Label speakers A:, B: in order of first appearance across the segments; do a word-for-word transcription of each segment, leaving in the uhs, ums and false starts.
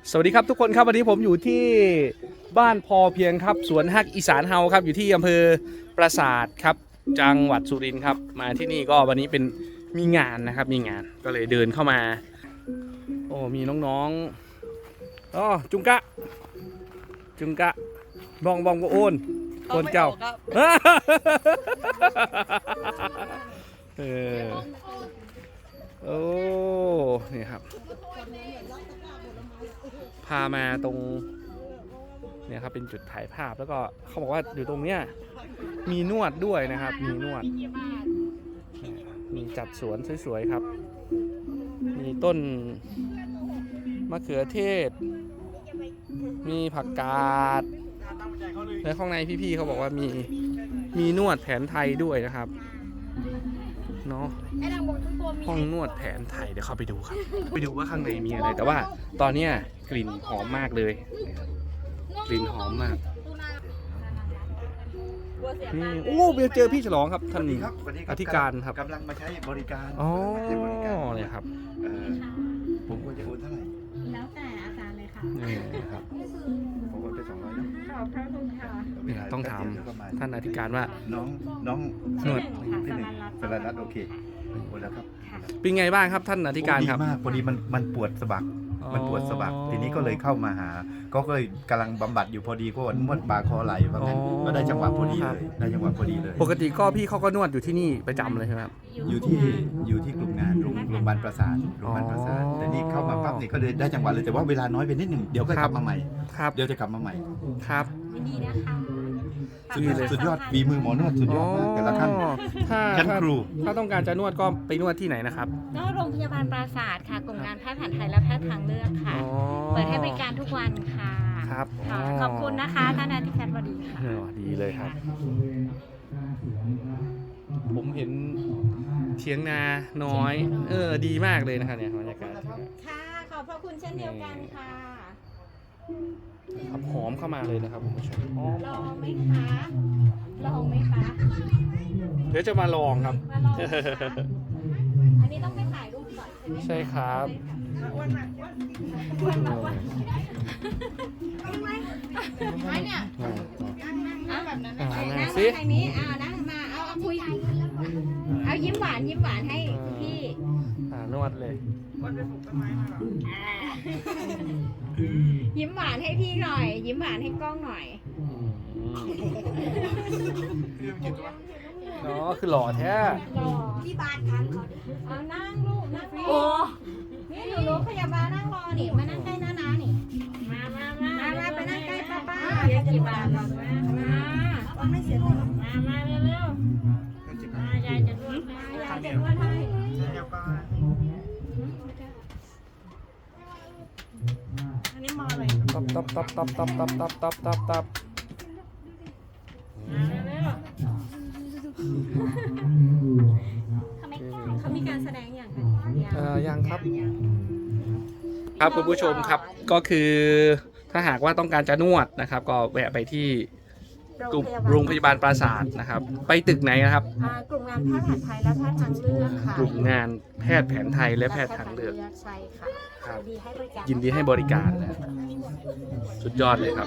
A: สวัสดีครับทุกคนครับวันนี้ผมอยู่ที่บ้านพอเพียงครับสวนฮักอีสานเฮาครับอยู่ที่อำเภอปราสาทครับจังหวัดสุรินทร์ครับมาที่นี่ก็วันนี้เป็นมีงานนะครับมีงานก็เลยเดินเข้ามาโอ้มีน้องๆอ๋อจุงกะจุงกะบองบองก็โอนโอนเจ้าเออโอ้นี่ครับพามาตรงเนี่ยครับเป็นจุดถ่ายภาพแล้วก็เขาบอกว่าอยู่ตรงเนี้ยมีนวดด้วยนะครับมีนวดมีจัดสวนสวยๆครับมีต้นมะเขือเทศมีผักกาดและข้างในพี่ๆเขาบอกว่ามีมีนวดแผนไทยด้วยนะครับเนาะห้องนวดแผนไทยเดี๋ยวเข้าไปดูครับไปดูว่าข้างในมีอะไรแต่ว่าตอนนี้กลิ่นหอมมากเลยกลิ่นหอมมากนี่โอ้เบียเจอพี่ฉลองครับท่านอธิการครับ
B: กำลังมาใช้บริการ
A: อ๋อเนี่ยครับ
B: ผมควรจะโอนเท่าไหร่
C: แล้วแต่อาจารย์เลยค่ะ
A: นี่ครับ
B: ผมโอนไปสองร้อยนะ
C: ขอบพระคุณค่ะ
A: เนี่ยต้องถามท่านอธิการว่า
B: น้องน้อง
A: นวด
B: ที่หนึ่งสรัญรัตน์โอเคโอนแล้วครับ
A: เป็นไงบ้างครับท่านอธิการครับ
B: ดีมากพอดีมันมันปวดสะบักมันปวดสะบักทีนี้ก็เลยเข้ามาหาก็เลยกำลังบำบัดอยู่พอดีก็นวดบ่าคอไหล่ว่างั้นก็ได้จังหวะพอดีเลยได้จังหวะพอดีเลย
A: ปกติก็พี่เขาก็นวดอยู่ที่นี่ประจำเลยใช่ไหมครับ
B: อยู่ที่อยู่ที่กลุ่มงานโรงโรงพยาบาลปราสาทโรงพยาบาลปราสาทแต่นี่เข้ามาปั๊บนี่ก็เลยได้จังหวะเลยแต่ว่าเวลาน้อยไปนิดหนึ่งเดี๋ยวก็กลับมาใหม่
A: ครับ
B: เดี๋ยวจะกลับมาใหม่
A: ครับ
C: ยินดีนะคะ
B: สุดยอดฝีมือหมอนวดสุดยอดมากแต่ละท่าน
A: ถ้า
B: ชั้นครู
A: ถ้าต้องการจะนวดก็ไปนวดที่ไหนนะครับ
C: ก็โรงพยาบาลปราสาทค่ะกลุ่มงานแพทย์แผนไทยและแพทย์ทางเลือกค่ะเปิดให้บริการทุกวันค่ะ
A: ครับ
C: ขอบคุณนะคะท่านอธิการบดีค่ะ
A: ดีเลยครับผมเห็นเทียงนาน้อยเออดีมากเลยนะครับเนี่ยบรรยากาศ
C: ค่ะขอบพระคุณเช่นเดียวกันค่ะ
A: ครับหอมเข้ามาเลยนะครับคุณผู้ชม
C: ลองไหมคะลองไหมคะ
A: เดี๋ยวจะมาลองครับ
C: อันนี้ต้องไปถ่ายรูปก่อน
A: ใช่ครับ
C: ไม่เนี่ยเอาแบบนั้นนั่งมาทางนี้เอานั่งมาเอาเอาคุยเอายิ้มหวานยิ้มหวานให้พี่
A: นวดเลย
C: ยิ้มหวานให้พี่หน่อยยิ้มหวานให้กล้องหน่อย
A: เนาะคือหล่อแท้
C: หล่อที่บ้านกันเอานั่งลูกนั่งรอนี่หนูรู้พยาบาลนั่งรอนี่มานั่งใกล้น้าน้านี่มามามามาไปนั่งใกล้ป้าป้าเสียกี่บาทหรอกมามาไม่เสียเลยมามาเร็วเร็วมายายจะนวดมายายจะนวดให้อันนี้มาเลย
A: ตับตับตับตับตับตับตับตับตับตับ
C: เขามีการแสดงอย่างไร
A: เอ่อยังครับครับคุณผู้ชมครับก็คือถ้าหากว่าต้องการจะนวดนะครับก็แวะไปที่กลุ่มโรงพยาบาลปราสาทนะครับไปตึกไหนนะครับ
C: กลุ่มงานแพทย์แผนไทยและแพทย์ทางเลือกค่ะ
A: กลุ่มงานแพทย์แผนไทยและแพทย์ทางเลือก
C: ใช่ค่ะ
A: ยินดีให้บริการนะสุดยอดเลยครับ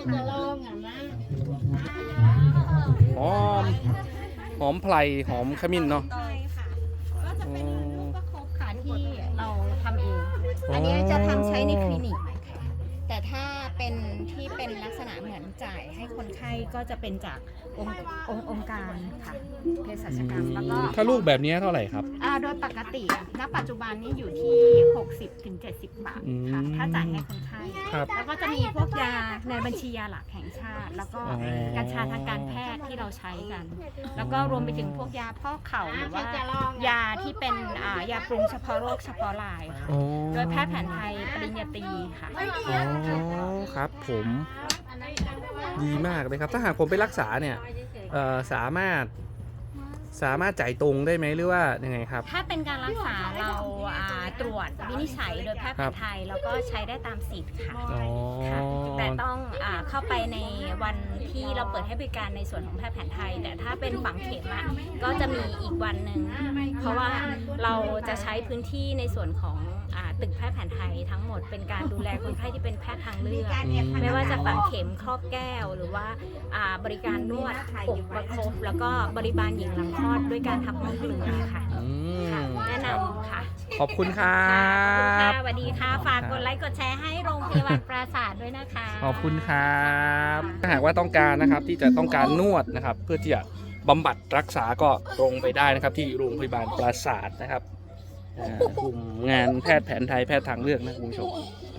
A: หอมหอมไพรหอมขมิ้นเนาะ
C: ใช่ค่ะก็จะเป็นลูกประคบค่ะที่เราทำเองอันนี้จะทำใช้ในคลินิกแต่ถ้าเป็นที่เป็นลักษณะเหมือนจ่ายให้คนไข้ก็จะเป็นจากองค์องค์องค์การค่ะเภสัชกรรมแล้วก็
A: ถ้าลูกแบบนี้เท่าไหร่ครับ
C: อ่าโดยปกติณปัจจุบันนี้อยู่ที่ หกสิบถึงเจ็ดสิบ บาทค่ะถ้าจ่ายให้คนไข้แล้วก็จะมีพวกยาในบัญชียาหลักแห่งชาติแล้วก็กัญชาทางการแพทย์ที่เราใช้กันแล้วก็รวมไปถึงพวกยาพอกเข่าหรือว่ายาที่เป็นอ่ายาปรุงเฉพาะโรคเฉพาะรายค่ะโดยแพทย์แผนไทยปริญญาตรีค่ะ
A: อ๋อครับผมดีมากเลยครับถ้าหากผมไปรักษาเนี่ยสามารถสามารถจ่ายตรงได้ไหมหรือว่ายังไงครับ
C: ถ้าเป็นการรักษาเราตรวจวินิจฉัยโดยแพทย์แผนไทยแล้วก็ใช้ได้ตามสิทธิ์ค่ะแต่ต้องเข้าไปในวันที่เราเปิดให้บริการในส่วนของแพทย์แผนไทยแต่ถ้าเป็นฝังเข็มก็จะมีอีกวันหนึ่งเพราะว่าเราจะใช้พื้นที่ในส่วนของตึกแพทย์แผนไทยทั้งหมดเป็นการดูแลคนไข้ที่เป็นแพพทย์ทางเลือก
A: อืม
C: ไม่ว่าจะฝังเข็มครอบแก้วหรือว่าอ่าบริการนวดอกประคบแล้วก็บริบาลหญิงหลังคลอดด้วยการทำห้องเกลือค่ะ
A: อืม
C: แนะนำค่ะ
A: ขอบคุณครั
C: ค่ะ
A: บ
C: สวัสดีค่ะ ฝากกดไลค์กดแชร์ให้โรงพยาบาลปราสาทด้วยนะคะ
A: ขอบคุณครับถ้าหากว่าต้องการนะครับที่จะต้องการนวดนะครับ เพื่อที่จะบำบัดรักษาก็ตรงไปได้นะครับ ที่โรงพยาบาลปราสาทนะครับอ่ากลุ่มงานแพทย์แผนไทยแพทย์ทางเลือกนะคุณผู้ชม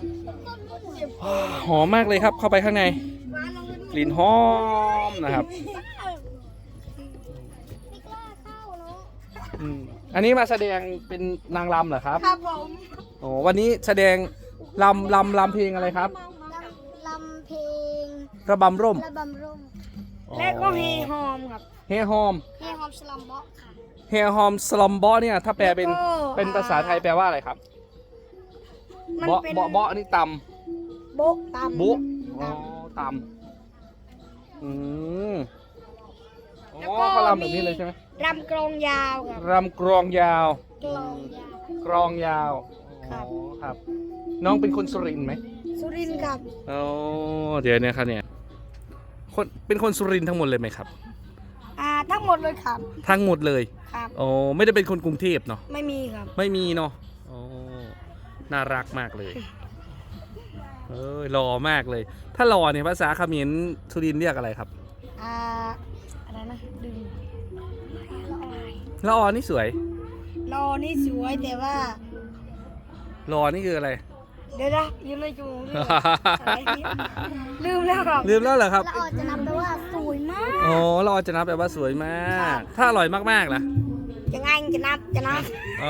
A: หอมมากเลยครับเข้าไปข้างในกลิ่นหอมนะครับอืมอันนี้มาแสดงเป็นนางรำเหรอครับ
D: ครับผม
A: โอ้วันนี้แสดงลำลำลำเพลงอะไรครับ
D: ลำเพลง
A: ระบำร่ม
D: ระบำร่ม
A: อ๋อ
D: และก็เฮฮอมครับ
A: เฮฮอม
D: เฮฮอมสลัมบ็อกค่ะ
A: เฮฮอมสลัมบอเนี่ยถ้าแปลเป็น
D: แล้วก็
A: เป็นภาษาไทยแปลว่าอะไรครับ
D: มัน
A: เบาะ
D: เป็น
A: เบาะเบาะนี่ต
D: โบ๊ะตำ
A: ำบุอ๋อตำอืมอ๋อเขาลำแบบนี้เลยใช่ไหม
D: รำกลองยาวครับ
A: รำกรองยาว
D: กลองยาว
A: กรองยาว
D: ครับ
A: อ๋อครับ น้องเป็นคนสุรินทร์ไหม
D: สุรินทร์ครับ
A: อ๋อเดี๋ยวเนี่ยครับเนี่ยคนเป็นคนสุรินทร์ทั้งหมดเลยไหมครับ
D: อ่าทั้งหมดเลยครับ
A: ทั้งหมดเลย
D: ครับ
A: อ๋อไม่ได้เป็นคนกรุงเทพเนาะ
D: ไม่มีครับ
A: ไม่มีเนาะอ๋อน่ารักมากเลย เอ้ยหล่อมากเลย ถ้าหล่อเนี่ยภาษาเขมรสุรินทร์เรียกอะไรครับ
D: อ่าอะไรนะดึง
A: ละออนี่สวย
D: รอนี่สวยแต่ว่า
A: รอนี่คืออะไร
D: เดี๋ยวนะยืมในจูงลืมแล้วครับ
A: ลืมแล้วเหรอครับ
D: ละออจะนับแปลว่าสวยมาก
A: อ๋อละออจะนับแปลว่าสวยมาก ถ้าอร่อยมากๆล่ะ
D: จะไงจะนับจะนับ
A: อ๋อ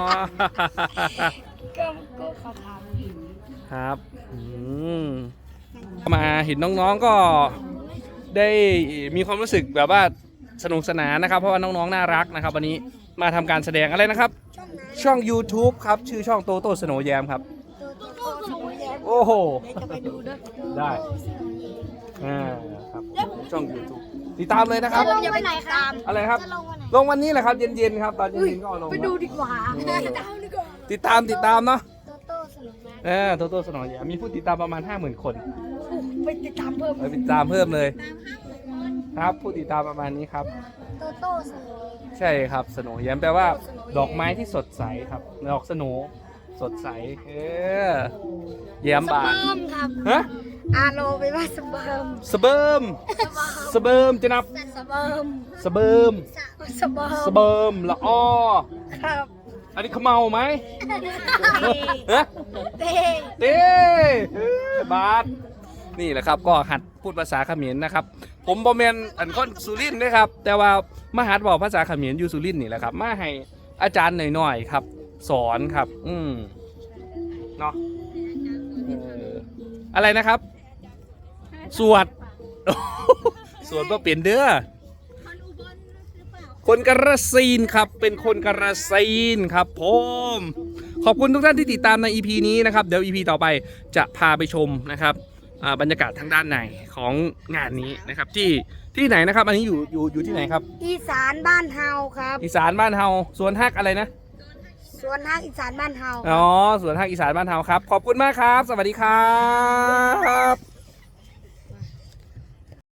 D: ก็ก็เขาท
A: ครับอืมมาเห็นน้องๆก็ได้มีความรู้สึกแบบว่าสนุกสนานนะครับ เพราะว่าน้องๆน่ารักนะครับ วันนี้มาทำการแสดงอะไรนะครับ
D: ำช่องนั้น
A: ช่อง YouTube ครับ ชื่อช่องโตโต้สโนว์แยมครับ
D: ตัวตัวโตสวยแยม
A: โอ้โห
D: เดี๋ยวจะไปดูด้วย
A: ได้ อ่าครับช่อง YouTube ติดตามเลยนะครับ
D: จะลงวันไหนครับ
A: อะไรครับ
D: จะลงวันไหน
A: ลงวันนี้แหละครับ เย็นๆครับ ตอนเย็นๆก็เอาลง
D: ไปดูดีกว่าดีกว่า
A: ติดตามติดตามเนาะ
D: โตโต้สนุกมาก
A: เออโตโต้สโนว์แยมมีผู้ติดตามประมาณ ห้าหมื่น คน
D: ไปติดตามเพิ่ม
A: ไปติดตามเพิ่มเลย ครับ ผู้ติดตามประมาณนี้ครับ
D: โตโต้สนุก
A: ใช่ครับสโนว์แยมแปลว่า ดอกไม้ที่สดใสครับ ดอกสโนว์สดใส เออแย้ม
D: ส
A: บาน
D: เบิร์มครับ
A: ฮะ
D: อาโลไปว่าสเบิร์ม
A: สเบิร์มสเบิร์มจะนับ
D: สเบิร์ม
A: สเบิร์ม
D: สเบิร์ม
A: สเบิร์มละอ้อ
D: ครับ
A: อันนี้เขาเมาไหมฮะ
D: เต้
A: เต้เอ้ยบาสนี่แหละครับก็หัดพูดภาษาเขมรนะครับ ผมบอมเมนอันคนสุรินทร์นะครับ แต่ว่ามาหัดบอกภาษาเขมรอยู่สุรินทร์นี่แหละครับ มาให้อาจารย์หน่อยๆครับ สอนครับ อืมเนาะเอออะไรนะครับ สวด สวดก็เปลี่ยนเด้อคนกระซีนครับ เป็นคนกระซีนครับผมขอบคุณทุกท่านที่ติดตามใน อี พี นี้นะครับ เดี๋ยว อี พี ต่อไปจะพาไปชมนะครับอ่าบรรยากาศทางด้านในของงานนี้นะครับ ที่ที่ไหนนะครับ อันนี้อยู่อยู่อยู่ที่ไหนครับ
D: อีสานบ้านเฮาครับ
A: อีสานบ้านเฮาสวนฮักอะไรนะ
D: สวนฮักอีสานบ้านเฮา
A: อ๋อสวนฮักอีสานบ้านเฮาครับ ขอบคุณมากครับ สวัสดีครับ